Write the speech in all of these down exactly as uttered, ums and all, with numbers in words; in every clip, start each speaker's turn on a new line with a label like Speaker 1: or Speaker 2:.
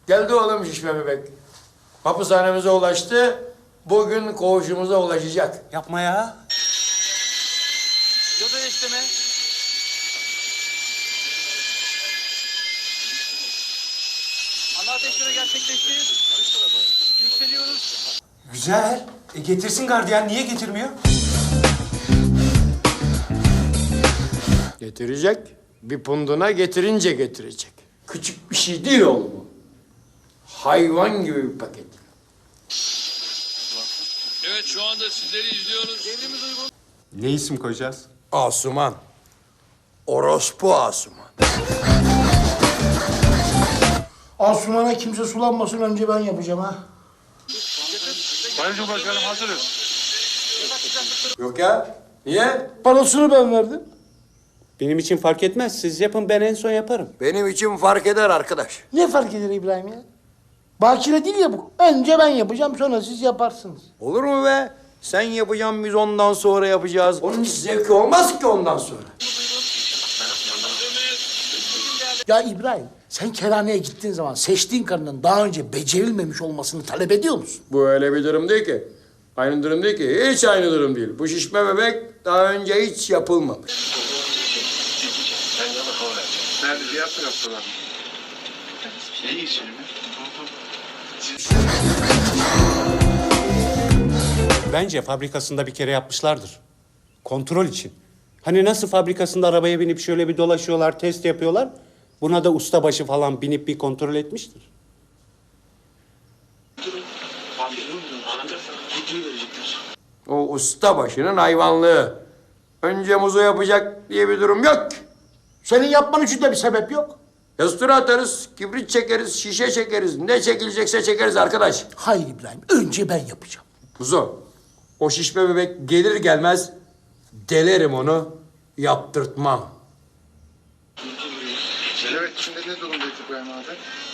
Speaker 1: Geldi oğlum şişme bebek. Hapishanemize ulaştı. Bugün koğuşumuza ulaşacak.
Speaker 2: Yapma ya.
Speaker 3: Yoda isteme. Ana ateşleme gerçekleşti. Yükseliyoruz.
Speaker 2: Güzel. E getirsin gardiyan. Niye getirmiyor?
Speaker 1: Getirecek. Bir punduna getirince getirecek. Küçük bir şey değil oğlum bu. Hayvan gibi bir paket.
Speaker 4: Evet, şu anda sizleri izliyoruz.
Speaker 3: Devrimiz uygun.
Speaker 2: Ne isim koyacağız?
Speaker 1: Asuman. Orospu Asuman.
Speaker 5: Asuman'a kimse sulanmasın önce ben yapacağım ha.
Speaker 4: Sayın Cumhurbaşkanım hazırız.
Speaker 1: Yok ya. Niye?
Speaker 5: Parasını ben verdim.
Speaker 2: Benim için fark etmez. Siz yapın, ben en son yaparım.
Speaker 1: Benim için fark eder arkadaş.
Speaker 5: Ne fark eder İbrahim ya? Bakire değil ya bu. Önce ben yapacağım sonra siz yaparsınız.
Speaker 1: Olur mu be? Sen yapacaksın, biz ondan sonra yapacağız. Onun hiç zevki olmaz ki ondan sonra.
Speaker 5: Ya İbrahim sen kerhaneye gittiğin zaman seçtiğin karının daha önce becerilmemiş olmasını talep ediyor musun?
Speaker 1: Bu öyle bir durum değil ki. Aynı durum değil ki. Hiç aynı durum değil. Bu şişme bebek daha önce hiç yapılmamış.
Speaker 4: Nerede diğer taraftalar? Ne geçelim mi?
Speaker 2: Bence fabrikasında bir kere yapmışlardır. Kontrol için. Hani nasıl fabrikasında arabaya binip şöyle bir dolaşıyorlar, test yapıyorlar. Buna da ustabaşı falan binip bir kontrol etmiştir.
Speaker 1: O usta başının hayvanlığı. Önce muzu yapacak diye bir durum yok.
Speaker 5: Senin yapman için de bir sebep yok.
Speaker 1: Yastıra atarız, kibrit çekeriz, şişe çekeriz. Ne çekilecekse çekeriz arkadaş.
Speaker 5: Hayır İbrahim önce ben yapacağım.
Speaker 1: Kuzu, o şişme bebek gelir gelmez delerim onu, yaptırtmam.
Speaker 4: Evet, şimdi ne durumdayız İbrahim abi?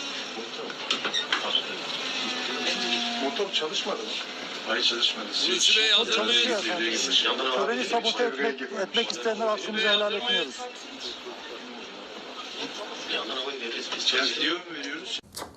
Speaker 4: Motor çalışmadı mı? Hayır çalışmadı. Hulusi Bey hazır mıyız?
Speaker 6: Töreni sabote etmek, etmek isteyenler hakkımızı helal etmiyoruz.
Speaker 4: Gidiyor mu veriyoruz?